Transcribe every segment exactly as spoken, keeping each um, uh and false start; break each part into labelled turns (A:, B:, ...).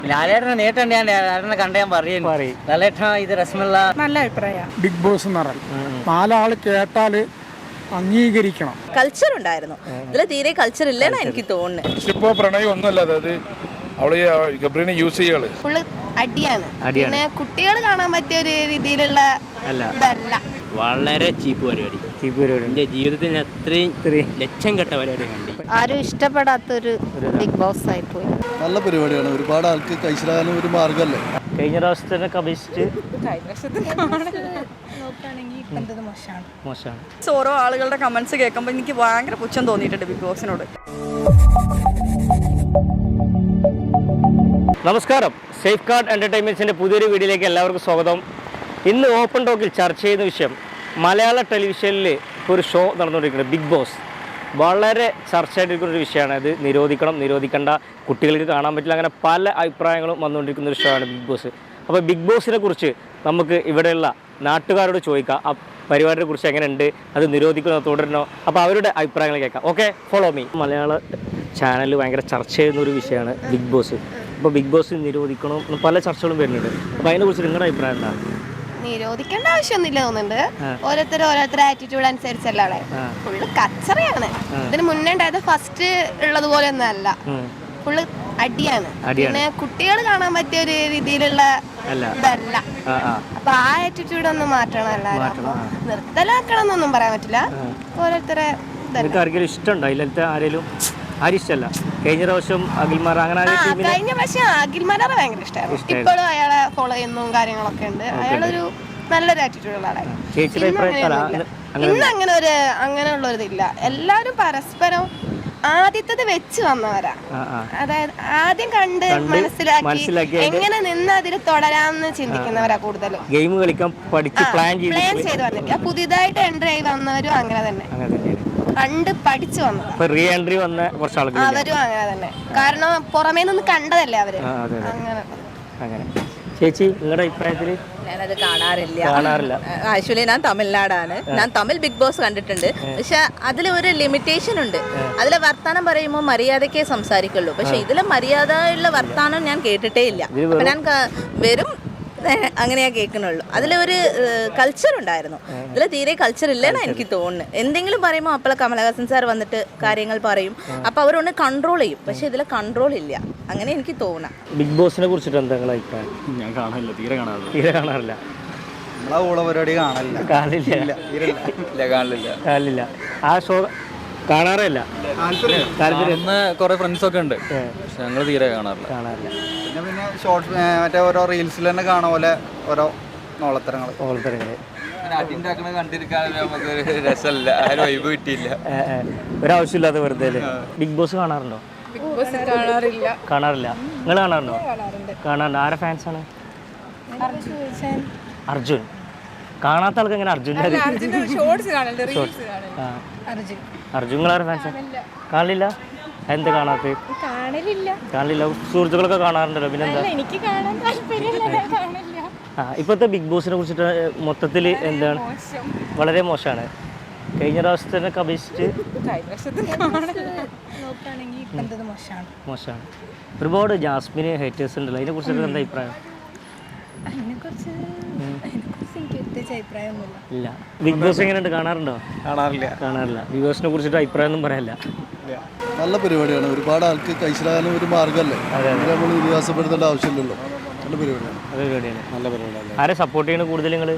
A: ലാലേട്ടനെ നേരിട്ടുണ്ട് ഞാൻ ലാലേട്ടനെ കണ്ട ഞാൻ പറയുന്നു ലാലേട്ടൻ ഇത് രസമുള്ള
B: നല്ല അഭിപ്രായം.
C: ബിഗ് ബോസ് എന്ന് പറഞ്ഞാൽ നാലാള് കേട്ടാല് അംഗീകരിക്കണം.
D: കൾച്ചർ ഉണ്ടായിരുന്നു, ഇതിൽ തീരെ കൾച്ചർ ഇല്ലെന്നാ എനിക്ക് തോന്നുന്നത്.
E: ഇപ്പോ പ്രണയം ഒന്നുമല്ല, അതായത് അവള് ഗബ്രീനെ യൂസ് ചെയ്യാണ്.
D: ഫുള്ള് അടിയാണ്. പിന്നെ കുട്ടികൾ കാണാൻ പറ്റിയ ഒരു രീതിയിലുള്ള ഇതല്ല.
A: വളരെ ചീപ്പ് പരിപാടി ചീപ്പ് പരിപാടി എന്റെ ജീവിതത്തിൽ അത്രയും ലക്ഷം കെട്ട പരിപാടി കണ്ടി.
D: ആരും ഇഷ്ടപ്പെടാത്തൊരു ബിഗ് ബോസ് ആയി പോയി.
F: നല്ല പരിപാടിയാണ്, ഒരുപാട് ആൾക്ക് കഴിച്ചിടാനും ഒരു മാർഗമല്ലേ.
A: കഴിഞ്ഞ പ്രാവശ്യത്തിനൊക്കെ അപേക്ഷിച്ച് മോശമാണ്.
B: ഓരോ ആളുകളുടെ കമന്റ്സ് കേൾക്കുമ്പോൾ എനിക്ക് ഭയങ്കര പുച്ഛം തോന്നിയിട്ടുണ്ട് ബിഗ് ബോസിനോട്.
A: നമസ്കാരം, സേഫ് ഗാർഡ് എൻ്റർടൈൻമെൻറ്റ്സിൻ്റെ പുതിയൊരു വീഡിയോയിലേക്ക് എല്ലാവർക്കും സ്വാഗതം. ഇന്ന് ഓപ്പൺ ടോക്കിൽ ചർച്ച ചെയ്യുന്ന വിഷയം മലയാള ടെലിവിഷനിൽ ഒരു ഷോ നടന്നുകൊണ്ടിരിക്കുന്നത് ബിഗ് ബോസ്. വളരെ ചർച്ചയായിട്ടിരിക്കുന്ന ഒരു വിഷയമാണ്. ഇത് നിരോധിക്കണം, നിരോധിക്കേണ്ട, കുട്ടികൾക്ക് കാണാൻ പറ്റില്ല, അങ്ങനെ പല അഭിപ്രായങ്ങളും വന്നുകൊണ്ടിരിക്കുന്ന ഒരു ഷോ ആണ് ബിഗ് ബോസ്. അപ്പോൾ ബിഗ് ബോസിനെ കുറിച്ച് നമുക്ക് ഇവിടെയുള്ള നാട്ടുകാരോട് ചോദിക്കാം, ആ പരിപാടിയെ കുറിച്ച് എങ്ങനെയുണ്ട്, അത് നിരോധിക്കണോ തുടരണോ, അപ്പോൾ അവരുടെ അഭിപ്രായങ്ങൾ കേൾക്കാം. Okay, follow me. മലയാള ചാനലിൽ ഭയങ്കര ചർച്ച ചെയ്യുന്ന ഒരു വിഷയമാണ് ബിഗ് ബോസ്. അപ്പോൾ ബിഗ് ബോസ് നിരോധിക്കണം പല ചർച്ചകളും വരുന്നുണ്ട്. അപ്പോൾ അതിനെക്കുറിച്ച് നിങ്ങളുടെ അഭിപ്രായം എന്താണ്?
D: നിരോധിക്കേണ്ട ആവശ്യമൊന്നുമില്ല തോന്നുന്നുണ്ട്. ഓരോരുത്തരും ഓരോരുത്തരുടെ ആറ്റിറ്റ്യൂഡ് അനുസരിച്ചല്ലേ. ഫുള്ള് കച്ചറയാണ്. ഇതിന് മുന്നേ ഉണ്ടായത് ഫസ്റ്റ് ഉള്ളത് പോലെ ഒന്നും അല്ല, ഫുള്ള് അടിയാണ്. പിന്നെ കുട്ടികൾ കാണാൻ പറ്റിയ ഒരു രീതിയിലുള്ള ഇതല്ല. അപ്പൊ ആ ആറ്റിറ്റ്യൂഡ് ഒന്ന് മാറ്റണം. എല്ലാവരും നിർത്തലാക്കണം എന്നൊന്നും പറയാൻ പറ്റില്ല. ഓരോരുത്തരെ
A: ഇഷ്ടമുണ്ടോ അതിലത്തെ ആരെങ്കിലും? ആരും ഇഷ്ടമല്ല. കഴിഞ്ഞ പ്രാവശ്യം അഖിൽമാർ അങ്ങനെ
D: കഴിഞ്ഞ പ്രാവശ്യം അഖിൽമാരെ ഭയങ്കര ഇഷ്ടമായിരുന്നു. ഇപ്പോഴും അയാളെ ഫോളോ ചെയ്യുന്നതും കാര്യങ്ങളൊക്കെ ഉണ്ട്. അയാളൊരു നല്ലൊരു ആറ്റിറ്റ്യൂഡുള്ള ആളാണ്. ഇന്ന് അങ്ങനെ ഒരു അങ്ങനെയുള്ള ഒരു ഇതില്ല. എല്ലാവരും പരസ്പരം ആദ്യത്തത് വെച്ച് വന്നവരാ. അതായത് ആദ്യം കണ്ട് മനസ്സിലാക്കി എങ്ങനെ നിന്ന് അതിൽ തുടരാമെന്ന് ചിന്തിക്കുന്നവരാ കൂടുതലും.
A: ഗെയിം കളിക്കാൻ പ്ലാൻ
D: ചെയ്ത് വന്നിട്ട് പുതിയതായിട്ട് എൻട്രി ആയി വന്നവരും അങ്ങനെ തന്നെ കണ്ട് പഠിച്ചു വന്നത്.
A: റീ എൻട്രി വന്ന കുറച്ച് ആളുകൾ
D: അവരും അങ്ങനെ തന്നെ. കാരണം പുറമേ നിന്ന് കണ്ടതല്ലേ അവര്.
A: അങ്ങനെ. ചേച്ചി, നിങ്ങളുടെ അഭിപ്രായത്തില്?
B: ഞാനത് കാണാറില്ല
A: കാണാറില്ല
B: ആക്ച്വലി ഞാൻ തമിഴ്നാടാണ്. ഞാൻ തമിഴ് ബിഗ് ബോസ് കണ്ടിട്ടുണ്ട്. പക്ഷെ അതിൽ ഒരു ലിമിറ്റേഷൻ ഉണ്ട്. അതിലെ വർത്താനം പറയുമ്പോൾ മര്യാദക്കേ സംസാരിക്കുള്ളൂ. പക്ഷെ ഇതിലെ മര്യാദയുള്ള വർത്താനം ഞാൻ കേട്ടിട്ടേ ഇല്ല. അപ്പൊ ഞാൻ വെറും അങ്ങനെയാ കേൾക്കുന്നുള്ളൂ. അതിലൊരു കൾച്ചർ ഉണ്ടായിരുന്നു, ഇതിൽ തീരെ കൾച്ചർ ഇല്ലെന്നാ എനിക്ക് തോന്നുന്നത്. എന്തെങ്കിലും പറയുമ്പോൾ അപ്പോൾ കമലഹാസൻ സാർ വന്നിട്ട് കാര്യങ്ങൾ പറയും, അപ്പൊ അവരൊന്ന് കൺട്രോൾ ചെയ്യും. പക്ഷെ ഇതിൽ കൺട്രോൾ ഇല്ല, അങ്ങനെ എനിക്ക് തോന്നാം.
A: ബിഗ് ബോസിനെ കുറിച്ചിട്ട് എന്താ നിങ്ങളുടെ അഭിപ്രായം?
F: ഞാൻ കാണാനില്ല, തീരെ കാണാറില്ല.
A: തീരെ കാണാറില്ല.
F: നമ്മളാ ഊള പരിപാടി കാണില്ല
A: കാണില്ല
F: കാണില്ല
A: കാണില്ല ആ ഷോ കാണാറില്ല.
F: ഇന്ന് കുറെ ഫ്രണ്ട്സ് ഒക്കെ ഉണ്ട്, പക്ഷെ ഞങ്ങൾ തീരെ കാണാറില്ല
A: കാണാറില്ല
F: പിന്നെ പിന്നെ ഷോർട്സ് മറ്റേ ഓരോ റീൽസിൽ തന്നെ കാണുന്ന പോലെ ഓരോ നോളത്തരങ്ങൾ
A: ഓളത്തരങ്ങള്
F: അടിണ്ടാക്കണ കണ്ടിരിക്കാൻ നമുക്ക് രസമല്ല, ആരും വൈബ് കിട്ടിയില്ല.
A: ഒരാവശ്യമില്ലാതെ വെറുതെ. ബിഗ് ബോസ് കാണാറുണ്ടോ?
B: കാണാറില്ല.
A: കാണാറില്ല. നിങ്ങൾ കാണാറുണ്ടോ? കാണാറുണ്ട്. ആരെ ഫാൻസ് ആണ്? അർജുൻ. കാണാത്ത ആൾക്ക് എങ്ങനെ അർജുൻ? അർജുൻ നിങ്ങളാരെ ഫാൻസ്? കാണില്ല. എന്ത് കാണാത്ത? കാണില്ല. സുഹൃത്തുക്കളൊക്കെ കാണാറുണ്ടല്ലോ, പിന്നെന്താ? ആ ഇപ്പോഴത്തെ ബിഗ് ബോസിനെ കുറിച്ചിട്ട് മൊത്തത്തിൽ എന്താണ്? വളരെ മോശമാണ്. കഴിഞ്ഞ പ്രാവശ്യത്തിനൊക്കെ അപേക്ഷിച്ച് മോശമാണ്. ഒരുപാട് ജാസ്മിന് ഹേറ്റേഴ്സ് ഉണ്ടല്ലോ, അതിനെ കുറിച്ചിട്ട് എന്താ അഭിപ്രായം? ഇല്ല. ബിഗ് ബോസ് എങ്ങനെയുണ്ട്? കാണാറുണ്ടോ?
F: കാണാറില്ല.
A: കാണാറില്ല. ബിഗ് ബോസിനെ കുറിച്ചിട്ട് അഭിപ്രായം ഒന്നും പറയാനില്ല.
F: നല്ല പരിപാടിയാണ്, ഒരുപാട് ആൾക്ക് കഴിച്ചിടാനും ഒരു മാർഗമല്ലേ. നമ്മൾ വിശ്വാസപ്പെടുത്തേണ്ട ആവശ്യമില്ലല്ലോ. നല്ല പരിപാടിയാണ്.
A: നല്ല പരിപാടിയാണ്. നല്ല പരിപാടിയാണ്. ആരെ സപ്പോർട്ട് ചെയ്യണ കൂടുതൽ നിങ്ങൾ?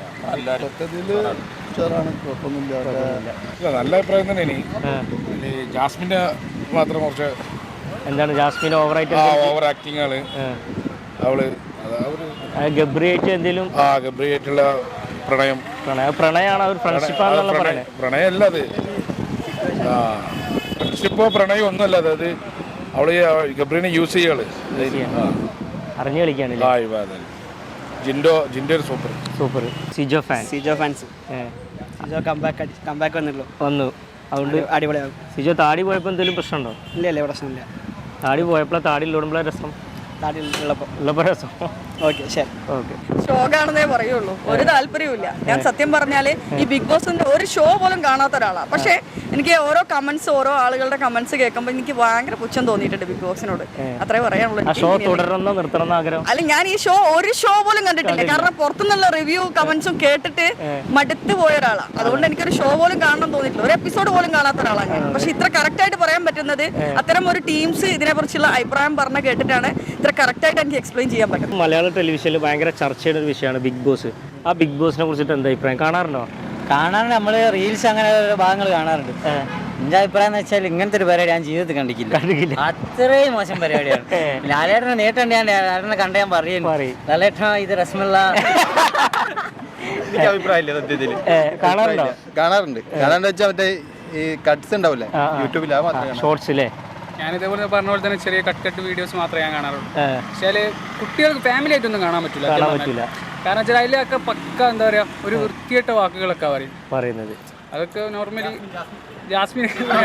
E: നല്ല അഭിപ്രായം തന്നെ. ജാസ്മിന്റെ മാത്രം കുറച്ച്
A: എന്താണ് ജാസ്മിൻ ഓവറായിട്ട്
E: ഓവർ ആക്ടിങ് ആണ് അവള്.
A: ഗബ്രിയായിട്ട് എന്തെങ്കിലും
E: ഗബ്രിയായിട്ടുള്ള പ്രണയം
A: പ്രണയ പ്രണയമാണ് അവർ ഫ്രണ്ട്ഷിപ്പാണെന്നുള്ള പറയുന്നത്.
E: പ്രണയമല്ല അത്, ഫ്രണ്ട്ഷിപ്പോ പ്രണയം ഒന്നുമല്ല, അതായത് അവള് ഗബ്രീനെ യൂസ് ചെയ്യാണ്,
A: അറിഞ്ഞു കളിക്കാണ്.
E: ജിൻഡോ ജിൻഡോ super
A: super. Sijo fan.
G: Sijo fans Sijo comeback comeback വന്നുള്ളൂ
A: വന്നു. അതുകൊണ്ട്
G: അടിപൊളിയാകും.
A: സിജോ താടി പോയപ്പോൾ എന്തെങ്കിലും പ്രശ്നമുണ്ടോ?
G: ഇല്ല ഇല്ല പ്രശ്നമില്ല.
A: താടി പോയപ്പോഴാണ് താടി ഇല്ലോടുമ്പോഴാണ് രസം.
G: നാട്ടിൽ ഉള്ളപ്പോൾ.
A: ഉള്ളപ്പോൾ രസം.
G: ഓക്കെ ശരി.
A: ഓക്കെ.
H: ഷോ കാണുന്നേ പറയുള്ളൂ, ഒരു താല്പര്യമില്ല. ഞാൻ സത്യം പറഞ്ഞാല് ഈ ബിഗ് ബോസിന്റെ ഒരു ഷോ പോലും കാണാത്ത ഒരാളാണ്. പക്ഷേ എനിക്ക് ഓരോ കമന്റ്സ് ഓരോ ആളുകളുടെ കമന്റ്സ് കേൾക്കുമ്പോൾ എനിക്ക് ഭയങ്കര പുച്ഛം തോന്നിയിട്ടുണ്ട് ബിഗ് ബോസിനോട്. അത്രേ പറയാനുള്ളൂ.
A: ആ ഷോ തുടരണോ നിർത്തണം ആഗ്രഹം?
H: അല്ല, ഞാൻ ഈ ഷോ ഒരു ഷോ പോലും കണ്ടിട്ടില്ല. കാരണം പുറത്തുനിന്നുള്ള റിവ്യൂ കമന്റ്സും കേട്ടിട്ട് മടുത്തു പോയ ഒരാളാണ്. അതുകൊണ്ട് എനിക്കൊരു ഷോ പോലും കാണണം തോന്നിയിട്ടില്ല. ഒരു എപ്പിസോഡ് പോലും കാണാത്ത ഒരാളാണ് ഞാൻ. പക്ഷെ ഇത്ര കറക്റ്റ് ആയിട്ട് പറയാൻ പറ്റുന്നത് അത്തരം ഒരു ടീംസ് ഇതിനെ കുറിച്ചുള്ള അഭിപ്രായം പറഞ്ഞ കേട്ടിട്ടാണ് ഇത്ര കറക്റ്റ് ആയിട്ട് എനിക്ക് എക്സ്പ്ലെയിൻ ചെയ്യാൻ പറ്റും.
A: മലയാള ടെലിവിഷനിൽ ഭയങ്കര ചർച്ച ചെയ്യുന്ന ഒരു വിഷയമാണ് ബിഗ് ബോസ്. ആ ബിഗ് ബോസിനെ കുറിച്ചിട്ട് എന്താ അഭിപ്രായം? കാണാറുണ്ടോ?
G: കാണാറുണ്ട്. നമ്മൾ റീൽസ് അങ്ങനെ ഭാഗങ്ങൾ കാണാറുണ്ട്. എന്റെ അഭിപ്രായം എന്ന് വെച്ചാൽ ഇങ്ങനത്തെ ഒരു പരിപാടി ഞാൻ ജീവിതത്തിൽ കണ്ടിട്ടില്ല.
A: കണ്ടിട്ടില്ല.
G: അത്രയും മോശം പരിപാടിയാണ്. ലാലേട്ടനെ നേരിട്ടുണ്ട്. ഞാൻ ലാലേട്ടനെ കണ്ട ഞാൻ പറയുന്നു, ലാലേട്ടൻ ഇത് രസമുള്ള
I: എനിക്ക് അഭിപ്രായമില്ല സത്യത്തിൽ.
A: കാണാറുണ്ടോ?
I: കാണാറുണ്ട്. കാണാണ്ട് വെച്ചാൽ മറ്റേ ഈ കട്ട്സ് ഉണ്ടാവില്ലേ യൂട്യൂബിൽ, ആ മാത്രമേ
A: ഷോർട്സിലെ
J: ഞാൻ ഇതേപോലെ പറഞ്ഞ പോലെ തന്നെ ചെറിയ കട്ട് കട്ട് വീഡിയോസ് മാത്രമേ ഞാൻ കാണാറുള്ളൂ. പക്ഷേ കുട്ടികൾക്ക് ഫാമിലി ആയിട്ടൊന്നും കാണാൻ പറ്റില്ല. കാരണം വെച്ചാൽ അതിലൊക്കെ പക്ക എന്താ പറയാ ഒരു വൃത്തികെട്ട വാക്കുകളൊക്കെ പറയും പറയുന്നത്. അതൊക്കെ നോർമലി ജാസ്മിൻ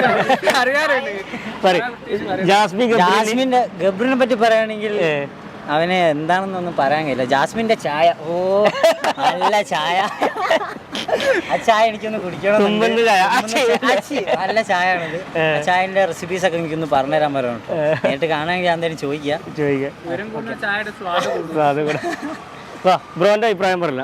G: ജാസ്മിന്റെ ഗബ്രിനെ പറ്റി പറയുകയാണെങ്കിൽ അവന് എന്താണെന്നൊന്നും പറയാൻ കഴിയില്ല. ജാസ്മിന്റെ ചായ, ഓ നല്ല ചായ. ആ ചായ എനിക്കൊന്ന് കുടിക്കണം. നല്ല ചായ ആണിത്. ആ ചായന്റെ റെസിപ്പീസ് ഒക്കെ എനിക്കൊന്ന് പറഞ്ഞുതരാൻ പറയാം. നേരിട്ട് കാണാമെങ്കിൽ ഞാൻ എന്തായാലും ചോദിക്കാം.
A: ബ്രോന്റെ അഭിപ്രായം പറയില്ല.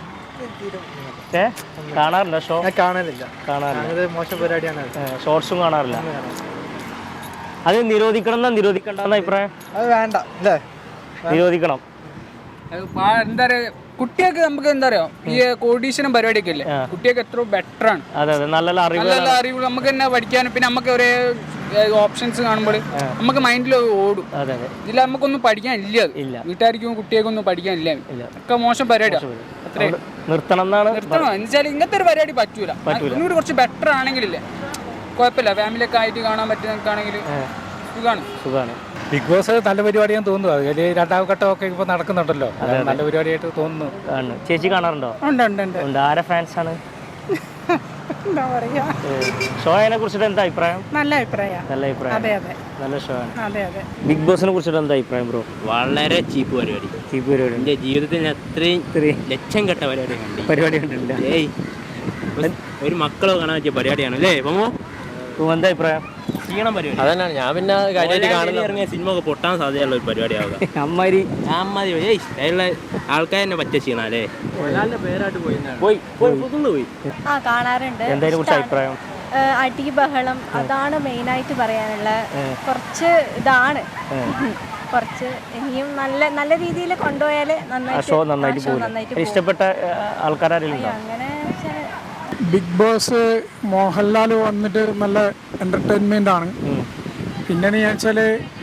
A: ഏ കാണാറില്ല ഷോ?
C: കാണാനില്ല.
A: കാണാറില്ല.
C: മോശം പരിപാടിയാണ്.
A: ഷോർട്സും കാണാറില്ല. അത് നിരോധിക്കണം എന്നാ നിരോധിക്കണ്ടെന്ന അഭിപ്രായം?
C: അത് വേണ്ട അല്ലേ?
A: നിരോധിക്കണം.
J: എന്താ പറയാ, കുട്ടികൾക്ക് നമുക്ക് എന്താ പറയാ ഈ കോഡീഷനും പരിപാടിയൊക്കെ ഇല്ലേ, കുട്ടികൾക്ക് എത്ര ബെറ്റർ ആണ്.
A: അതെ അതെ, നല്ല അറിവ്
J: നല്ല അറിവ് നമുക്ക് തന്നെ പഠിക്കാനും പിന്നെ നമുക്ക് ഒരേ ഓപ്ഷൻസ് കാണുമ്പോൾ നമുക്ക് മൈൻഡിൽ ഓടും. ഇതിൽ നമുക്കൊന്നും പഠിക്കാൻ ഇല്ല. വീട്ടുകാർക്കും കുട്ടികൾക്കൊന്നും പഠിക്കാൻ ഇല്ല. ഒക്കെ മോശം പരിപാടിയാണ്. അത്രേ
A: നിർത്തണം എന്നാണ്.
J: നിർത്തണം എന്ന് വെച്ചാൽ ഇങ്ങനത്തെ ഒരു പരിപാടി പറ്റൂല. ഒന്നുകൂടി കുറച്ച് ബെറ്റർ ആണെങ്കിലില്ലേ കുഴപ്പമില്ല. ഫാമിലിയൊക്കെ ആയിട്ട് കാണാൻ പറ്റുന്നതാണെങ്കിൽ സുഖമാണ്.
A: സുഖമാണ്.
K: ബിഗ് ബോസ് നല്ല പരിപാടിയാന്ന് തോന്നുന്നു. അതിൽ രണ്ടാം ഘട്ടമൊക്കെ ഇപ്പൊ നടക്കുന്നുണ്ടല്ലോ. നല്ല പരിപാടിയായിട്ട് തോന്നുന്നു.
A: ചേച്ചി കാണാറുണ്ടോ? ഉണ്ട്. ആരെ ഫാൻസ് ആണ്?
H: എന്താ പറയാ,
A: ഷോയെ കുറിച്ചിട്ട് എന്താ അഭിപ്രായം?
H: നല്ല അഭിപ്രായം.
A: നല്ല അഭിപ്രായം.
H: അതെ അതെ,
A: നല്ല ഷോ ആണ്.
H: അതെ അതെ.
A: ബിഗ് ബോസിനെ കുറിച്ചിട്ട് എന്താ അഭിപ്രായം ബ്രോ?
L: വളരെ ചീപ്പ് പരിപാടി.
A: ചീപ്പ് പരിപാടി.
L: എൻ്റെ ജീവിതത്തിൽ ഞാൻ അത്രയും ലക്ഷം കെട്ട പരിപാടി കണ്ടി
A: പരിപാടി കണ്ടിട്ടില്ല.
L: ഏയ് ഒരു മക്കളോ കാണാൻ പറ്റിയ പരിപാടിയാണ് അല്ലേ പോമോ?
A: എന്താ അഭിപ്രായം?
L: ക്ഷീണം പരിപാടി. അതന്നാണ് ഞാൻ പിന്നെ കാര്യമായിട്ട് കാണുന്ന ഇറങ്ങിയ സിനിമ ഒക്കെ പൊട്ടാൻ സാധ്യതയുള്ള ഒരു പരിപാടിയാവുക.
A: അമ്മാരി
L: അമ്മാതി ഏയ് അതിലുള്ള ആൾക്കാർ തന്നെ പറ്റിയ ക്ഷീണം അല്ലേ? പേരായിട്ട് പോയി പോയി പോയി
D: ആ കാണാറുണ്ട്.
A: എന്തായാലും കുറിച്ച് അഭിപ്രായം?
D: അടി ബഹളം അതാണ് മെയിനായിട്ട് പറയാനുള്ള. കുറച്ച് ഇതാണ് കുറച്ച് ഇനിയും നല്ല നല്ല രീതിയിൽ കൊണ്ടുപോയാൽ
A: ഷോ നന്നായിട്ട് പോകും. ഇഷ്ടപ്പെട്ട ആൾക്കാരും
D: അങ്ങനെ.
C: ബിഗ് ബോസ് മോഹൻലാൽ വന്നിട്ട് നല്ല എൻ്റർടൈൻമെൻ്റ് ആണ്. പിന്നെന്ന് വെച്ചാൽ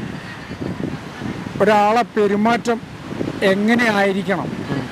C: ഒരാളെ പെരുമാറ്റം എങ്ങനെ ആയിരിക്കണം.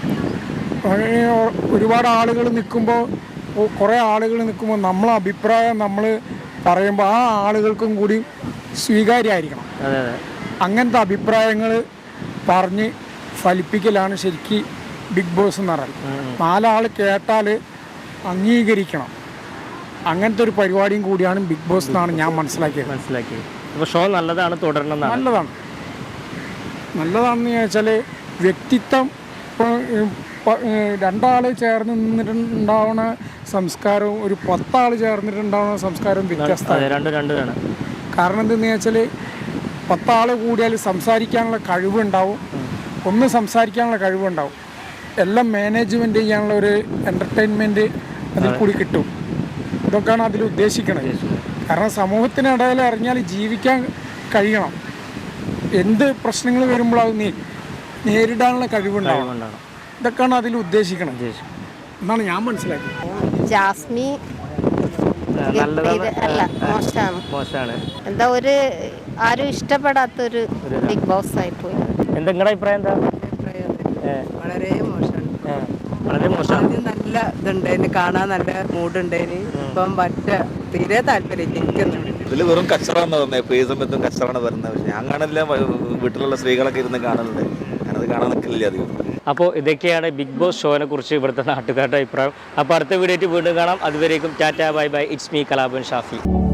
C: ഒരുപാട് ആളുകൾ നിൽക്കുമ്പോൾ കുറേ ആളുകൾ നിൽക്കുമ്പോൾ നമ്മളെ അഭിപ്രായം നമ്മൾ പറയുമ്പോൾ ആ ആളുകൾക്കും കൂടി സ്വീകാര്യമായിരിക്കണം. അങ്ങനത്തെ അഭിപ്രായങ്ങൾ പറഞ്ഞ് ഫലിപ്പിക്കലാണ് ശരിക്കും ബിഗ് ബോസ് എന്ന് പറയുന്നത്. നാലാൾ കേട്ടാൽ അംഗീകരിക്കണം. അങ്ങനത്തെ ഒരു പരിപാടിയും കൂടിയാണ് ബിഗ് ബോസ് എന്നാണ് ഞാൻ മനസ്സിലാക്കിയത്.
A: മനസ്സിലാക്കി. അപ്പോൾ ഷോ നല്ലതാണ്, തുടരണം.
C: നല്ലതാണ്. നല്ലതാണെന്ന് ചോദിച്ചാൽ വ്യക്തിത്വം ഇപ്പോൾ രണ്ടാൾ ചേർന്ന് നിന്നിട്ടുണ്ടാവുന്ന സംസ്കാരവും ഒരു പത്താൾ ചേർന്നിട്ടുണ്ടാവുന്ന സംസ്കാരവും വ്യത്യസ്തമാണ്. കാരണം എന്തെന്ന് വെച്ചാൽ പത്താൾ കൂടിയാൽ സംസാരിക്കാനുള്ള കഴിവുണ്ടാവും, ഒന്ന് സംസാരിക്കാനുള്ള കഴിവുണ്ടാവും, എല്ലാം മാനേജ്മെൻറ്റ് ചെയ്യാനുള്ള ഒരു എൻ്റർടൈൻമെൻറ്റ് അതിൽ കൂടി കിട്ടും. ഇതൊക്കെയാണ് അതിൽ ഉദ്ദേശിക്കുന്നത്. കാരണം സമൂഹത്തിനിടയിൽ ഇറങ്ങിയാൽ ജീവിക്കാൻ കഴിയണം. എന്ത് പ്രശ്നങ്ങൾ വരുമ്പോൾ അത് നീ നേരിടാനുള്ള കഴിവുണ്ടാവണം. ഇതൊക്കെയാണ് അതിൽ ഉദ്ദേശിക്കണം എന്നാണ് ഞാൻ മനസ്സിലാക്കിയത്.
D: ജാസ്മി അല്ല മോശമാണ്. എന്താ ഒരു ആരും ഇഷ്ടപ്പെടാത്തൊരു ബിഗ് ബോസ് ആയി പോയി.
A: എന്താ നിങ്ങളുടെ അഭിപ്രായം? എന്താ?
H: വളരെ മോശമാണ്.
A: വളരെ മോശമാണ്.
H: നല്ല ഇതുണ്ടായിരുന്നു, കാണാൻ നല്ല മൂഡുണ്ടായിരുന്നു. ഇപ്പം മറ്റ തീരെ താല്പര്യം എനിക്കൊന്നും.
I: ഇതിൽ വെറും കച്ചറാന്ന് പറഞ്ഞത്. ഇപ്പോൾ ഈ സമയത്തും കച്ചറാണ് വരുന്നത്. പക്ഷേ ഞാൻ കാണില്ല. വീട്ടിലുള്ള സ്ത്രീകളൊക്കെ ഇരുന്ന് കാണുന്നുണ്ട്. ഞാനത് കാണാൻ നിൽക്കില്ല അധികം.
A: അപ്പോൾ ഇതൊക്കെയാണ് ബിഗ് ബോസ് ഷോനെ കുറിച്ച് ഇവിടുത്തെ നാട്ടുകാരുടെ അഭിപ്രായം. അപ്പോൾ അടുത്ത വീഡിയോ വീണ്ടും കാണാം. അതുവരേക്കും tata bye bye. It's me Kalabhan Shafi.